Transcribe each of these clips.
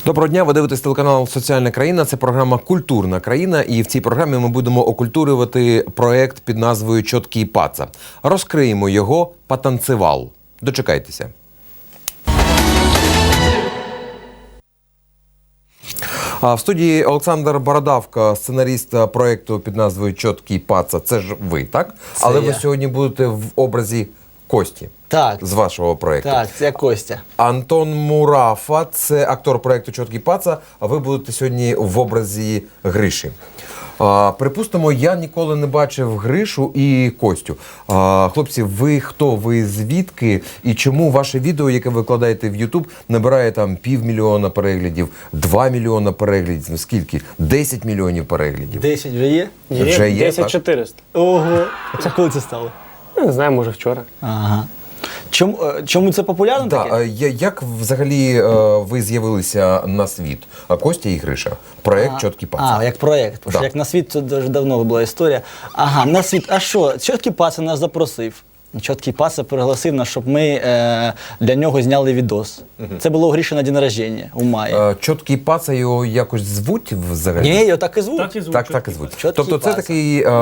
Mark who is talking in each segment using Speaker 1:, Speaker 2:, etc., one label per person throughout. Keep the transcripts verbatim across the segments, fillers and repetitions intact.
Speaker 1: Доброго дня, ви дивитесь телеканал «Соціальна країна». Це програма «Культурна країна». І в цій програмі ми будемо окультурювати проєкт під назвою «Чоткий паца». Розкриємо його «Потанцевал». Дочекайтеся. А в студії Олександр Бородавка, сценаріст проєкту під назвою «Чоткий паца». Це ж ви, так?
Speaker 2: Це
Speaker 1: Але
Speaker 2: я.
Speaker 1: ви сьогодні будете в образі Кості.
Speaker 2: Так.
Speaker 1: З вашого проєкту.
Speaker 2: Так, це Костя.
Speaker 1: Антон Мурафа – це актор проєкту «Чоткий паца», а ви будете сьогодні в образі Гриші. А, припустимо, я ніколи не бачив Гришу і Костю. А, хлопці, ви хто, ви звідки і чому ваше відео, яке ви викладаєте в YouTube, набирає там півмільйона переглядів, два мільйона переглядів, скільки? десять мільйонів переглядів?
Speaker 2: десять вже є?
Speaker 1: Є, Вже є,
Speaker 3: десять чотириста.
Speaker 2: Ого. Це коли це стало?
Speaker 3: Не знаю, може вчора.
Speaker 2: Ага. Чому, е, чому це популярно
Speaker 1: Да,
Speaker 2: таке?
Speaker 1: а я- як взагалі е, ви з'явилися на світ? А Костя і Гриша. Проєкт «Чоткий паца».
Speaker 2: А, як проєкт. Тому що
Speaker 1: Да.
Speaker 2: як на світ, це дуже давно була історія. Ага, на світ. А що? Чоткий паца нас запросив. Чоткий паца пригласив нас, щоб ми е, для нього зняли відос. Це було у Гріші на день народження у маї.
Speaker 1: Е, «Чоткий паца» його якось звуть взагалі?
Speaker 2: Ні, його так і звуть.
Speaker 3: Так і звуть.
Speaker 1: Так, так і звуть.
Speaker 2: Чоткий
Speaker 1: Тобто це
Speaker 2: паца.
Speaker 1: такий е,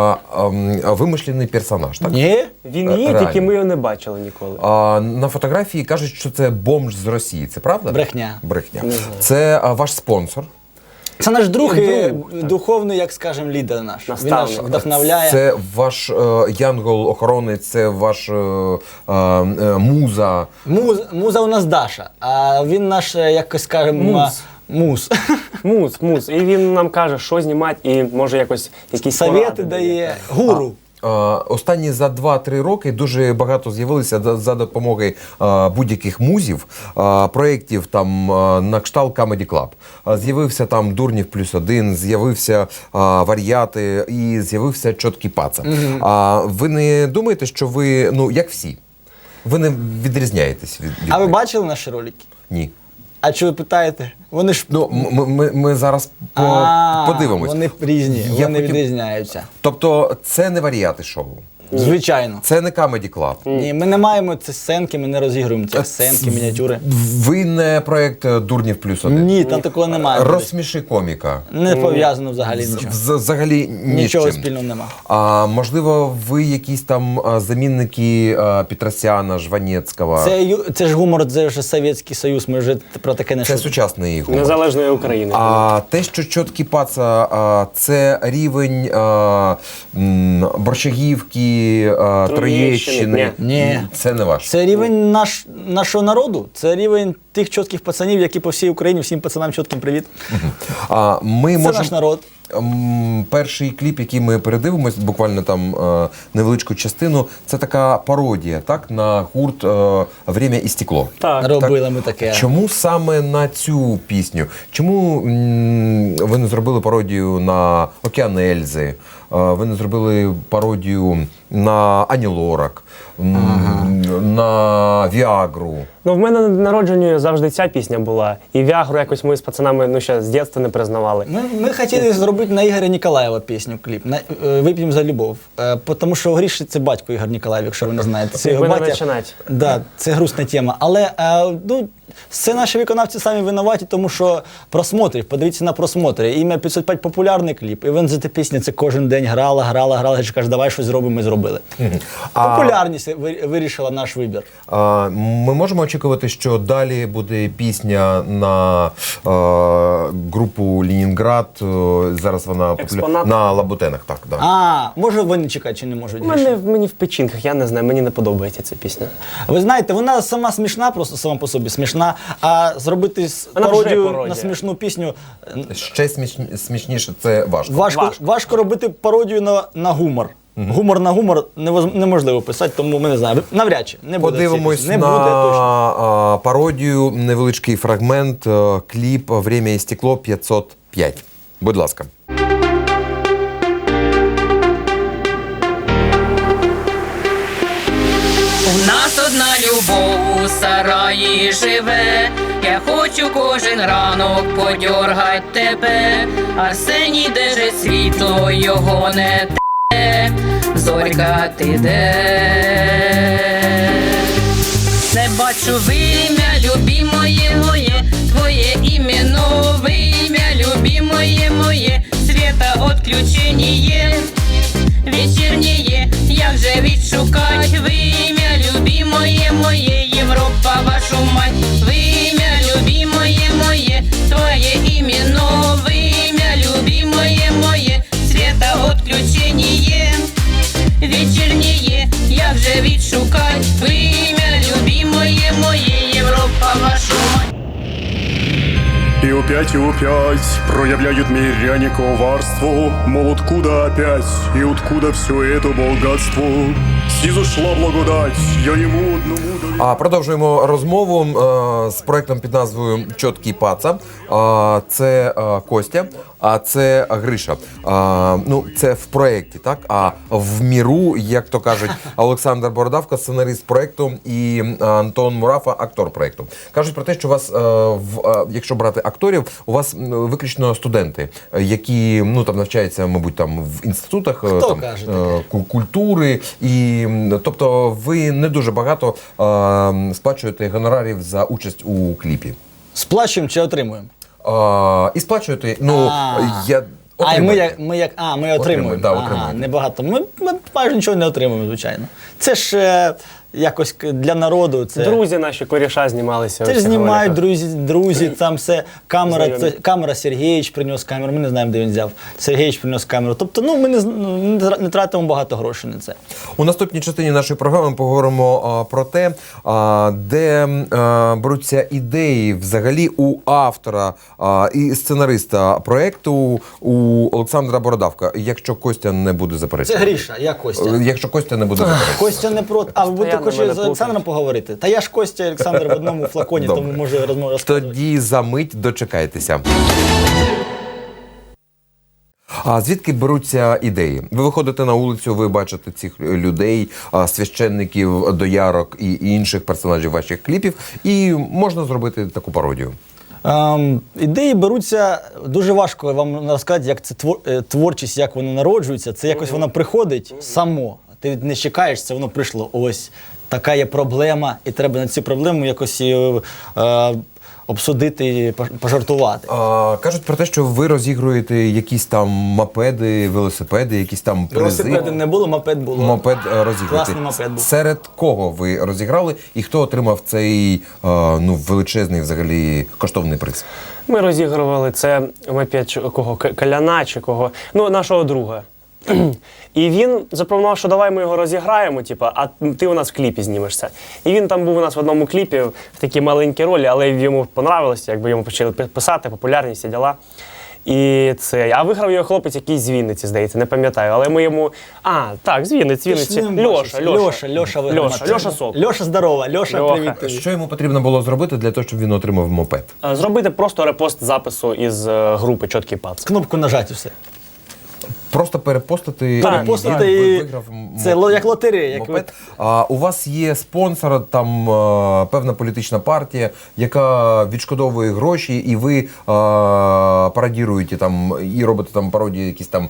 Speaker 1: е, е, вимишлений персонаж, так?
Speaker 2: Ні?
Speaker 3: Він
Speaker 1: Е,
Speaker 3: є,
Speaker 1: реально.
Speaker 3: тільки ми його не бачили ніколи.
Speaker 1: А, на фотографії кажуть, що це бомж з Росії. Це правда?
Speaker 2: Брехня.
Speaker 1: Брехня.
Speaker 3: Не знаю.
Speaker 1: Це а, ваш спонсор.
Speaker 2: Це наш друг і
Speaker 3: Друг, так.
Speaker 2: духовний, як скажемо, лідер наш. Він нас
Speaker 3: Наставник.
Speaker 2: вдохновляє.
Speaker 1: Це ваш е, янгол-охоронець, це ваш е, е, е, муза.
Speaker 2: Муз, муза у нас Даша, а він наш, е, якось скажемо,
Speaker 3: Муз.
Speaker 2: муз.
Speaker 3: Муз, муз. І він нам каже, що знімати, і може якось якісь
Speaker 2: Совєти
Speaker 3: поради
Speaker 2: дає. Гуру.
Speaker 1: Е, Останні за два-три роки дуже багато з'явилися за, за допомогою е, будь-яких музів, е, проєктів там е, на кшталт Comedy Club. Е, З'явився там Дурнів плюс один, з'явився е, Вар'яти і з'явився Чоткий паца. А ви не думаєте, що ви, ну, як всі, ви не відрізняєтесь від, від
Speaker 2: А ви
Speaker 1: них?
Speaker 2: бачили наші ролики?
Speaker 1: Ні.
Speaker 2: А чого ви питаєте? Вони ж
Speaker 1: Ну, ми, ми, ми зараз по,
Speaker 2: А,
Speaker 1: подивимось.
Speaker 2: Вони різні,
Speaker 1: Я
Speaker 2: вони
Speaker 1: хотів-
Speaker 2: відрізняються.
Speaker 1: Тобто це не Вар'яти шоу,
Speaker 2: Звичайно.
Speaker 1: це не Comedy Club.
Speaker 2: Ні, ми не маємо ці сценки, ми не розігруємо ці сценки, мініатюри.
Speaker 1: Ви не проєкт е, Дурнів плюс один.
Speaker 2: Ні, там такого немає.
Speaker 1: Розсміши коміка.
Speaker 2: Не пов'язано взагалі
Speaker 1: З-
Speaker 2: нічого.
Speaker 1: з- Взагалі ні з
Speaker 2: Нічого
Speaker 1: чим.
Speaker 2: спільного нема.
Speaker 1: А можливо, ви якісь там а, замінники а, Петросяна, Жванецького?
Speaker 2: Це, ю- це ж гумор, це вже Совєтський Союз, ми вже про таке не
Speaker 1: Це
Speaker 2: шутимо.
Speaker 1: сучасний гумор.
Speaker 3: Незалежної України.
Speaker 1: А те, що Чоткий паца, а, це рівень а, м, Борщагівки, а, Троєщини.
Speaker 3: Ні.
Speaker 2: Ні.
Speaker 1: Це не ваш.
Speaker 2: Це рівень наш, нашого народу, це рівень тих чітких пацанів, які по всій Україні, всім пацанам чітким привіт.
Speaker 1: А, ми
Speaker 2: Це
Speaker 1: можемо...
Speaker 2: наш народ.
Speaker 1: М, Перший кліп, який ми передивимось, буквально там е, невеличку частину, це така пародія, так, на гурт е, «Время і стекло».
Speaker 3: Так.
Speaker 2: Робили ми таке.
Speaker 1: Чому саме на цю пісню? Чому м, ви не зробили пародію на «Океан Ельзи», е, ви не зробили пародію на Ані Лорак, м, на Віагру?
Speaker 3: Ну, в мене на народженні завжди ця пісня була. І Вягру якось ми з пацанами ну, ще з дитинства не признавали.
Speaker 2: Ми, ми хотіли зробити на Ігоря Ніколаєва пісню, кліп, на, е, «Вип'ємо за любов». Е, тому що Гріші це батько Ігор Ніколаєв, якщо ви не знаєте. Це його
Speaker 3: Ви не
Speaker 2: батя.
Speaker 3: починать.
Speaker 2: Да, це грустна тема. Але е, ну, це наші виконавці самі винуваті, тому що просмотрів, подивіться на просмотри. Ім'я п'ятсот п'ять популярний кліп. І він за ті пісні це кожен день грала, грала, грала. Я кажу, давай щось зробимо, ми зробили.
Speaker 1: А-
Speaker 2: Популярність ви- вирішила наш вибір.
Speaker 1: А, ми можемо очікувати, що далі буде пісня на е, групу «Ленінград», е, зараз вона популя-
Speaker 3: Експонат.
Speaker 1: на Лабутенах, так, да.
Speaker 2: А, може вони чекають чи не можуть?
Speaker 3: У мене, мені в печінках, я не знаю, мені не подобається ця пісня.
Speaker 2: Ви знаєте, вона сама смішна, просто сама по собі смішна, а зробити с-
Speaker 3: Вона вже
Speaker 2: пародію
Speaker 3: пародія.
Speaker 2: на смішну пісню е,
Speaker 1: Ще сміш- смішніше це важко.
Speaker 2: важко, важко.
Speaker 3: Важко.
Speaker 2: робити пародію на, на гумор. Гумор на гумор невоз- неможливо писати, тому ми не знаємо. Навряд чи не буде.
Speaker 1: Подивимось
Speaker 2: цієї
Speaker 1: на
Speaker 2: пісні. Не буде точно.
Speaker 1: а, пародію, невеличкий фрагмент, е, кліп «Время і стекло» п'ятсот п'ять. Будь ласка.
Speaker 4: У нас одна любов у сараї живе, я хочу кожен ранок подьоргать тебе, Арсеній, де же світло його не те, зорька ти де? Не бачу вим'я, любі моє, твоє ім'я як же відшукать ви ім'я любімоє моє, Європа вашу мать.
Speaker 5: И опять и опять проявляют миряне коварство, мол, откуда опять и откуда все это богатство? Снизошла благодать, я ему одному даю.
Speaker 1: А продовжуємо розмову е, з проектом під назвою Чоткий паца. Е, це е, Костя, а це Гриша. Е, ну, це в проєкті, так? А в міру, як то кажуть, Олександр Бородавка, сценарист проєкту, і Антон Мурафа, актор проєкту. Кажуть про те, що у вас, е, в, е, якщо брати акторів, у вас м, виключно студенти, е, які ну, там, навчаються, мабуть, там, в інститутах е,
Speaker 2: Хто
Speaker 1: там,
Speaker 2: каже
Speaker 1: е,
Speaker 2: таке?
Speaker 1: ку- культури. І, м, тобто ви не дуже багато е, сплачуєте гонорарів за участь у кліпі.
Speaker 2: Сплачуємо чи отримуємо?
Speaker 1: Е, і сплачуєте, ну,
Speaker 2: А.
Speaker 1: я...
Speaker 2: А, і ми
Speaker 1: отримуєте.
Speaker 2: як, ми як, а, ми отримуємо.
Speaker 1: да,
Speaker 2: ага,
Speaker 1: отримуєте.
Speaker 2: небагато. Ми, ми майже нічого не отримуємо, звичайно. Це ж е, якось к- для народу. Це...
Speaker 3: Друзі наші коріша знімалися.
Speaker 2: Це ж
Speaker 3: в цих
Speaker 2: знімають
Speaker 3: роликах.
Speaker 2: друзі, друзі, там все. Камера,
Speaker 3: Знайомі.
Speaker 2: це, камера Сергійович приніс камеру, ми не знаємо, де він взяв. Сергійович приніс камеру. Тобто, ну, ми не, з- ну, не тра- не тратимо багато грошей на це.
Speaker 1: У наступній частині нашої програми поговоримо а, про те, а, де а, беруться ідеї взагалі у автора а, і сценариста проєкту у Олександра Бородавка, якщо Костя не буде
Speaker 2: Це
Speaker 1: заперечувати.
Speaker 2: Гріша, я Костя.
Speaker 1: Якщо Костя не буде заперечувати.
Speaker 2: Костя не проти. А ви будете
Speaker 3: Постоянно
Speaker 2: хочете
Speaker 3: мене
Speaker 2: з Олександром поговорити? Та я ж Костя і Олександр в одному флаконі,
Speaker 1: Добре.
Speaker 2: тому можу розмову розказувати.
Speaker 1: Тоді за мить дочекайтеся. А звідки беруться ідеї? Ви виходите на вулицю, ви бачите цих людей, а, священників, доярок і інших персонажів ваших кліпів, і можна зробити таку пародію.
Speaker 2: Ем, ідеї беруться дуже важко вам розказати, як це твор, е, творчість, як воно народжується. Це якось воно приходить само. Ти не чекаєш, це воно прийшло. Ось така є проблема, і треба на цю проблему якось е, е, обсудити і пож- пожартувати.
Speaker 1: А, кажуть про те, що ви розігруєте якісь там мопеди, велосипеди, якісь там призи.
Speaker 2: Велосипеди не було, мопед було.
Speaker 1: Мопед е, розіграти.
Speaker 2: Класний мопед був.
Speaker 1: Серед кого ви розіграли і хто отримав цей е, ну, величезний взагалі коштовний приз?
Speaker 3: Ми розігрували це мопед чи кого К- Каляна чи кого, ну нашого друга. І він запропонував, що давай ми його розіграємо, типу, а ти у нас в кліпі знімешся. І він там був у нас в одному кліпі в такій маленькій ролі, але йому понравилося, якби йому почали пи- писати, популярність і діла. І це. А виграв його хлопець якийсь з Вінниці, здається, не пам'ятаю. Але ми йому. А, так, з Вінниці,
Speaker 2: Ти ж
Speaker 3: Вінниці.
Speaker 2: з ним
Speaker 3: Льоша,
Speaker 2: бачишся.
Speaker 3: Льоша.
Speaker 2: Льоша, Льоша виграв.
Speaker 3: Льоша, Льоша Сок.
Speaker 2: Льоша, здорова. Льоша,
Speaker 3: Льоха.
Speaker 2: привіт тобі.
Speaker 1: Що йому потрібно було зробити для того, щоб він отримав мопед?
Speaker 3: А, Зробити просто репост запису із е, групи Чоткий пац.
Speaker 2: Кнопку нажати і все.
Speaker 1: Просто перепостити,
Speaker 3: Так,
Speaker 1: і
Speaker 2: перепостити
Speaker 1: він
Speaker 2: і-
Speaker 1: виграв
Speaker 2: це
Speaker 1: мо-
Speaker 2: ло- як лотерея, як
Speaker 1: мопед. А, у вас є спонсор, там а, певна політична партія, яка відшкодовує гроші, і ви а, пародіруєте там і робите там пародії якісь там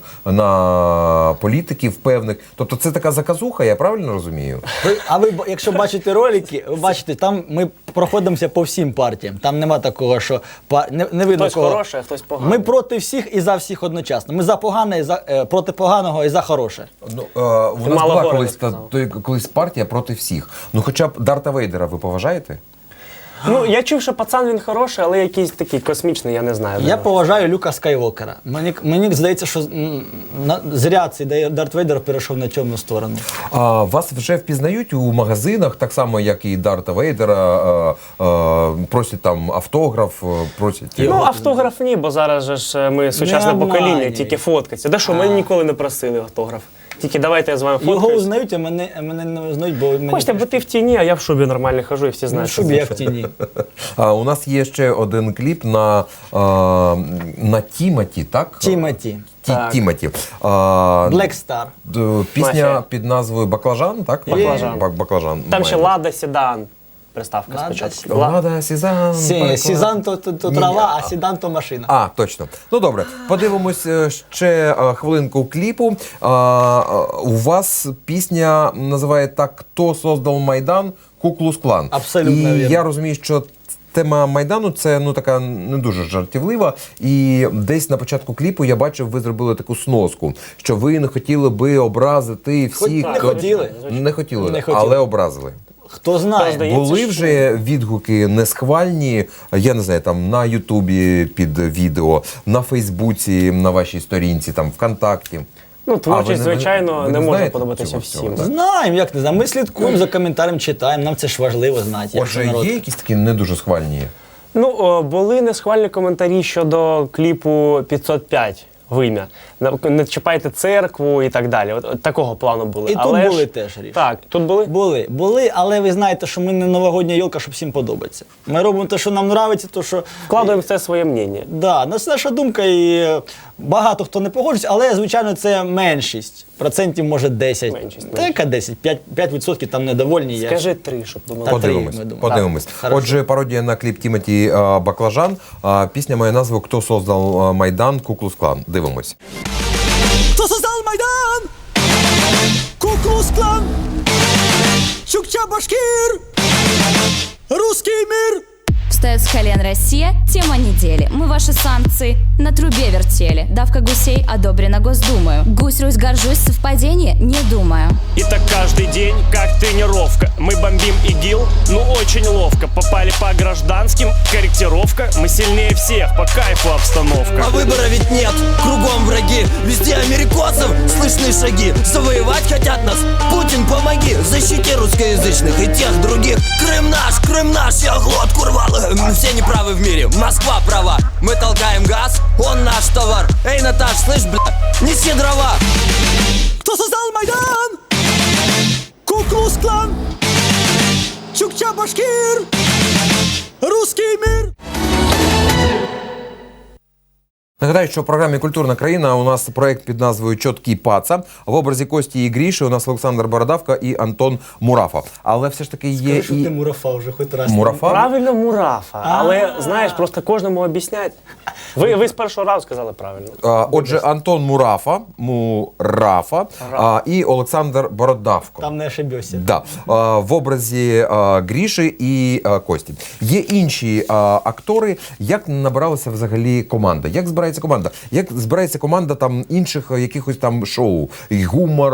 Speaker 1: на політиків певних. Тобто це така заказуха, я правильно розумію?
Speaker 2: Ви, а ви, б- якщо бачите ролики, ви бачите, там ми проходимося по всім партіям. Там нема такого, що па- не, не видно
Speaker 3: Хтось
Speaker 2: кого.
Speaker 3: хороший, а хтось поганий.
Speaker 2: Ми проти всіх і за всіх одночасно. Ми за погане, і за, е, проти поганого і за хороше.
Speaker 1: Ну, е, у
Speaker 3: Ти
Speaker 1: нас
Speaker 3: мало
Speaker 1: була
Speaker 3: города
Speaker 1: колись, та,
Speaker 3: сказав.
Speaker 1: той, колись партія проти всіх. Ну хоча б Дарта Вейдера ви поважаєте?
Speaker 3: Ну, я чув, що пацан він хороший, але якийсь такий космічний, я не знаю.
Speaker 2: Я поважаю Люка Скайвокера. Мені, мені здається, що м, на, зря цей Дай- Дарт Вейдер перейшов на темну сторону.
Speaker 1: А вас вже впізнають у магазинах, так само, як і Дарта Вейдера, е, е, просять там автограф, е, просять.
Speaker 3: Ну, автограф ні, бо зараз же ж ми сучасне
Speaker 2: Не
Speaker 3: покоління,
Speaker 2: обманюй.
Speaker 3: тільки фоткаться. Да що, мене ніколи не просили автограф. Тільки давайте я з вами
Speaker 2: Його
Speaker 3: фоткаюсь.
Speaker 2: узнають, а мене, а мене не узнають, бо мені...
Speaker 3: Хочете, бо ти в тіні, а я в шубі нормально хожу і всі
Speaker 2: Ну,
Speaker 3: знають.
Speaker 2: щоб
Speaker 3: що
Speaker 2: я
Speaker 3: це.
Speaker 2: в тіні.
Speaker 1: А, у нас є ще один кліп на, е, на Тіматі, так?
Speaker 2: Тімоті.
Speaker 1: Ті,
Speaker 3: Так.
Speaker 1: Тіматі. А,
Speaker 2: Black Star.
Speaker 1: д- Пісня
Speaker 3: Мафія.
Speaker 1: під назвою Баклажан, так?
Speaker 3: Баклажан.
Speaker 1: Бак- Баклажан.
Speaker 3: Там ще
Speaker 1: має.
Speaker 3: Лада Седан. Приставка
Speaker 2: Лада
Speaker 3: спочатку.
Speaker 2: Седан.
Speaker 3: Ла-
Speaker 1: Лада, Сізан.
Speaker 2: Сі,
Speaker 1: Баклажан.
Speaker 2: Сізан то, то, то
Speaker 1: Ні,
Speaker 2: трава,
Speaker 1: ні.
Speaker 2: а Сідан то машина.
Speaker 1: А, точно. Ну добре, подивимось е, ще е, хвилинку кліпу. А, е, у вас пісня називає так «Хто создав Майдан? Куклус Клан».
Speaker 2: Абсолютно
Speaker 1: І
Speaker 2: вірно.
Speaker 1: я розумію, що тема Майдану це ну така не дуже жартівлива. І десь на початку кліпу я бачив, ви зробили таку сноску, що ви не хотіли би образити всіх.
Speaker 2: не хотіли.
Speaker 1: Не хотіли,
Speaker 2: Не хотіли.
Speaker 1: але образили.
Speaker 2: Хто знає?
Speaker 3: Здається,
Speaker 1: Були
Speaker 3: що-
Speaker 1: вже відгуки несхвальні, я не знаю, там на Ютубі під відео, на Фейсбуці, на вашій сторінці, там ВКонтакті.
Speaker 3: Ну, творчість,
Speaker 1: А, ви не-
Speaker 3: звичайно,
Speaker 1: ви
Speaker 3: не
Speaker 1: не
Speaker 3: може
Speaker 1: знаєте
Speaker 3: подобатися
Speaker 1: цього
Speaker 3: всім.
Speaker 1: всього,
Speaker 3: так.
Speaker 2: Знаємо, як не знаємо. Ми слідкуємо за коментарем, читаємо, нам це ж важливо знати. як
Speaker 1: Отже,
Speaker 2: народ.
Speaker 1: є якісь такі не дуже схвальні?
Speaker 3: Ну, о, були несхвальні коментарі щодо кліпу п'ятсот п'ять вим'я. Не- Не чіпайте церкву і так далі. От, от такого плану були.
Speaker 2: І тут
Speaker 3: Але
Speaker 2: були
Speaker 3: ж-
Speaker 2: теж, Ріш.
Speaker 3: Так, тут були.
Speaker 2: Були, були, але ви знаєте, що ми не новогодня йолка, що всім подобається. Ми робимо те, що нам подобається, то що.
Speaker 3: Вкладаємо все своє мнення.
Speaker 2: Да, ну, це наша думка, і е, багато хто не погоджується, але, звичайно, це меншість. Процентів, може, десять.
Speaker 3: Меншість,
Speaker 2: Та яка десять? п'ять відсотків там недовольні. я-
Speaker 3: Скажи три, щоб думали.
Speaker 2: Та три,
Speaker 1: Подивимось.
Speaker 2: ми думаємо.
Speaker 1: Подивимось.
Speaker 2: Так, хорошо.
Speaker 1: Отже, пародія на кліп Тімоті а, Баклажан. А, пісня має назву «Хто создав а, Майдан? Куклус Клан». Дивимось.
Speaker 6: Кто создал Майдан? Ку-клус-клан, Чукча-Башкир, русский мир.
Speaker 7: Встает с колен Россия, тема недели. Мы ваши санкции на трубе вертели. Давка гусей одобрена Госдумою. Гусь, Русь, горжусь, совпадение, не думаю.
Speaker 8: И так каждый день, как тренировка. Мы бомбим ИГИЛ, ну очень ловко. Попали по гражданским, корректировка. Мы сильнее всех, по кайфу обстановка.
Speaker 6: А выбора ведь нет, кругом враги. Везде америкосов слышны шаги. Завоевать хотят нас, Путин, помоги. Защити русскоязычных и тех других. Крым наш, Крым наш, я глотку рвал. Все неправы в мире, Москва права. Мы толкаем газ, он наш товар. Эй, Наташ, слышь, бля, неси дрова. Кто создал Майдан? Ку-клус-клан, Чукча-Башкир, русский мир.
Speaker 1: Нагадаю, що в програмі «Культурна країна» у нас проект під назвою «Чоткий паца». В образі Кості і Гріші у нас Олександр Бородавка і Антон Мурафа. Але все ж таки є
Speaker 2: Скажи, що
Speaker 1: і...
Speaker 2: ти мурафа вже хоч раз.
Speaker 1: Мурафа?
Speaker 3: Правильно, мурафа. Але, знаєш, просто кожному об'яснять. Ви, ви з першого разу сказали правильно.
Speaker 1: А, Отже, Антон Мурафа, Мурафа а, і Олександр Бородавко.
Speaker 2: Там не ошибешся.
Speaker 1: Да. А, в образі а, Гріші і а, Кості. Є інші а, актори. Як набиралася взагалі команда? Як збирається команда? Як збирається команда там інших а, якихось там шоу? І гумор,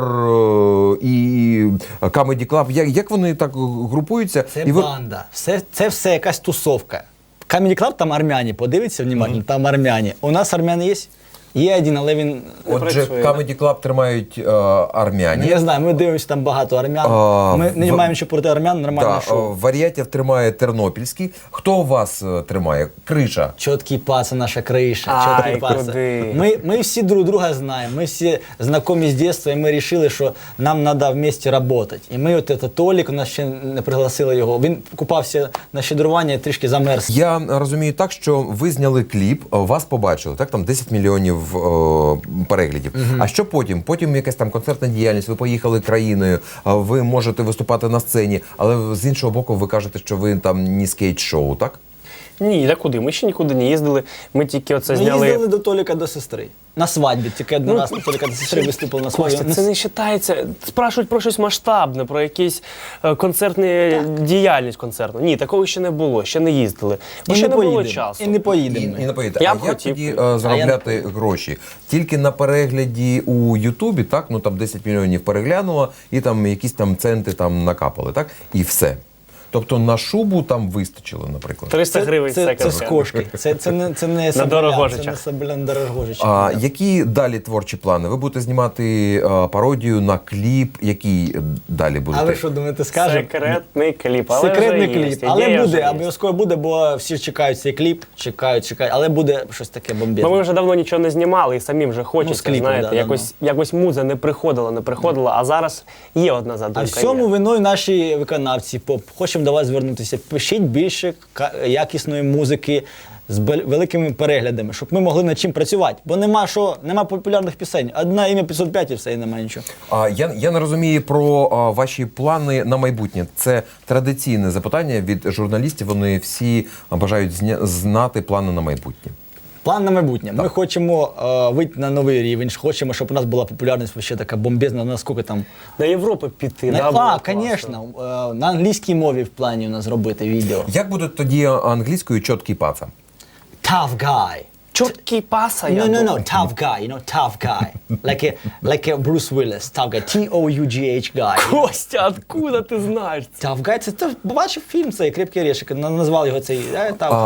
Speaker 1: е, і Comedy Club? Як, як вони так групуються?
Speaker 2: Це
Speaker 1: і ви-
Speaker 2: банда. Все, це все якась тусовка. Comedy Club, там армяні, подивіться внимательно, там армяні. У нас армяни є? Є один, але він...
Speaker 1: Отже,
Speaker 3: працює,
Speaker 1: Comedy Club тримають е, армяні.
Speaker 2: Я знаю, ми дивимося там багато армян.
Speaker 1: А,
Speaker 2: ми не
Speaker 1: в-
Speaker 2: маємо нічого проти армян, нормальне
Speaker 1: Да,
Speaker 2: шоу.
Speaker 1: е, Варіатів тримає Тернопільський. Хто у вас е, тримає? Криша.
Speaker 2: Чоткий паца, наша криша.
Speaker 3: Ай,
Speaker 2: Чоткий паца.
Speaker 3: куди?
Speaker 2: Ми, ми всі друг друга знаємо, ми всі знайомі з дитинства, і ми вирішили, що нам треба вместе працювати. І ми, от це Толік, у нас ще не пригласили його, він купався на щедрування і трішки замерз.
Speaker 1: Я розумію так, що ви зняли кліп, е, вас побачили, так? Там десять мільйонів е, переглядів. А що потім? Потім якась там концертна діяльність, ви поїхали країною, е, ви можете виступати на сцені, але з іншого боку ви кажете, що ви там не скейт-шоу, так?
Speaker 3: Ні, та куди? Ми ще нікуди не їздили. Ми тільки оце
Speaker 2: Ми
Speaker 3: зняли.
Speaker 2: їздили до Толіка до сестри. На свадьбі, тільки один
Speaker 3: Ну,
Speaker 2: раз на Толіка до сестри виступили на свадьбі.
Speaker 3: Костя, це не вважається. Спрашують про щось масштабне, про якісь е, концертні діяльність концертну. Ні, такого ще не було, ще не їздили. Бо
Speaker 2: І
Speaker 3: ще
Speaker 2: не
Speaker 3: не було
Speaker 2: поїдемо.
Speaker 3: часу.
Speaker 2: І не
Speaker 1: І,
Speaker 2: поїдемо.
Speaker 1: і не поїдете.
Speaker 3: Я
Speaker 1: А
Speaker 3: б
Speaker 1: як
Speaker 3: хотів.
Speaker 1: тоді е, заробляти гроші? Тільки на перегляді у Ютубі, так? Ну там десять мільйонів переглянуло, і там якісь там центи там накапали, так? І все. Тобто на шубу там вистачило, наприклад.
Speaker 3: триста гривень
Speaker 2: це, це, це з
Speaker 3: секонд.
Speaker 2: кошки. Це, це не, це не Соболян,
Speaker 3: Дорогожичах.
Speaker 2: це не Соболян Дорогожичах.
Speaker 1: А які далі творчі плани? Ви будете знімати а, пародію на кліп, який далі будете?
Speaker 2: А ви що думаєте, скажемо?
Speaker 3: Секретний кліп. Але
Speaker 2: Секретний
Speaker 3: вже є,
Speaker 2: кліп.
Speaker 3: ідея
Speaker 2: Але
Speaker 3: вже
Speaker 2: буде,
Speaker 3: є.
Speaker 2: обов'язково буде, бо всі чекають цей кліп, чекають, чекають. Але буде щось таке бомбезне.
Speaker 3: Ну, ми вже давно нічого не знімали і самі вже
Speaker 2: Ну,
Speaker 3: хочеться,
Speaker 2: з кліпом,
Speaker 3: знаєте,
Speaker 2: да,
Speaker 3: якось, якось муза не приходила, не приходила, а зараз є одна задумка.
Speaker 2: А всьому
Speaker 3: є.
Speaker 2: виною наші виконавці поп. Хочемо до вас звернутися. Пишіть більше ка- якісної музики з бел- великими переглядами, щоб ми могли над чим працювати. Бо нема що, нема популярних пісень. Одна ім'я п'ятсот п'ять і все, і немає нічого.
Speaker 1: А, я, я не розумію про а, ваші плани на майбутнє. Це традиційне запитання від журналістів. Вони всі бажають зня- знати плани на майбутнє.
Speaker 2: План на майбутнє. Ми хочемо е, вийти на новий рівень, хочемо, щоб у нас була популярність ще така бомбезна, наскільки там.
Speaker 3: На Європу піти,
Speaker 2: На,
Speaker 3: да, було
Speaker 2: а,
Speaker 3: класно.
Speaker 2: звісно, е, на англійській мові в плані у нас зробити відео.
Speaker 1: Як буде тоді англійською чоткий паца?
Speaker 2: Tough guy.
Speaker 3: Чоткий паса, я
Speaker 2: No, no, no,
Speaker 3: думаю.
Speaker 2: tough guy, you know, tough guy. Like a, like a Bruce Willis, tough guy, T O U G H guy.
Speaker 3: Костя, откуда ти знаєш це?
Speaker 2: Tough guy, це ти бачив фільм цей «Крепкий орешек», на- назвав його цей, е, tough
Speaker 1: А,
Speaker 2: guy.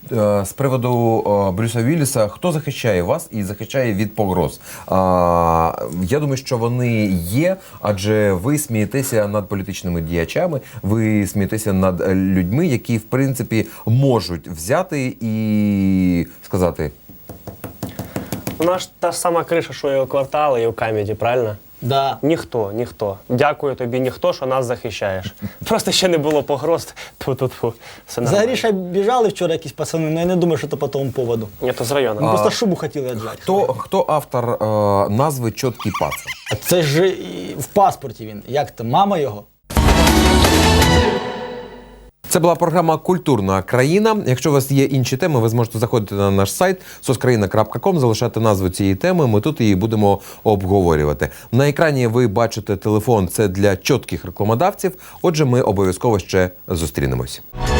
Speaker 1: Е, З приводу е, Брюса Вілліса, хто захищає вас і захищає від погроз? А, я думаю, що вони є, адже ви смієтеся над політичними діячами, ви смієтеся над е, людьми, які, в принципі, можуть взяти і сказати:
Speaker 3: Вона ж та ж сама криша, що і у квартали, і у камеді, правильно?
Speaker 2: Да.
Speaker 3: Ніхто, ніхто. Дякую тобі, ніхто, що нас захищаєш. Просто ще не було погроз. Тьфу-тьфу-тьфу. Все
Speaker 2: За
Speaker 3: нормально.
Speaker 2: Гріша біжали вчора якісь пацани, але я не думаю, що це по тому поводу.
Speaker 3: Ні, то з району.
Speaker 2: Вони просто шубу хотіли віджати.
Speaker 1: хто, хто автор е, назви «Чоткий паца»?
Speaker 2: А це ж і в паспорті він. Як то, мама його?
Speaker 1: Це була програма «Культурна країна». Якщо у вас є інші теми, ви зможете заходити на наш сайт соцкраїна крапка ком, залишати назву цієї теми, ми тут її будемо обговорювати. На екрані ви бачите телефон, це для чітких рекламодавців, отже, ми обов'язково ще зустрінемось.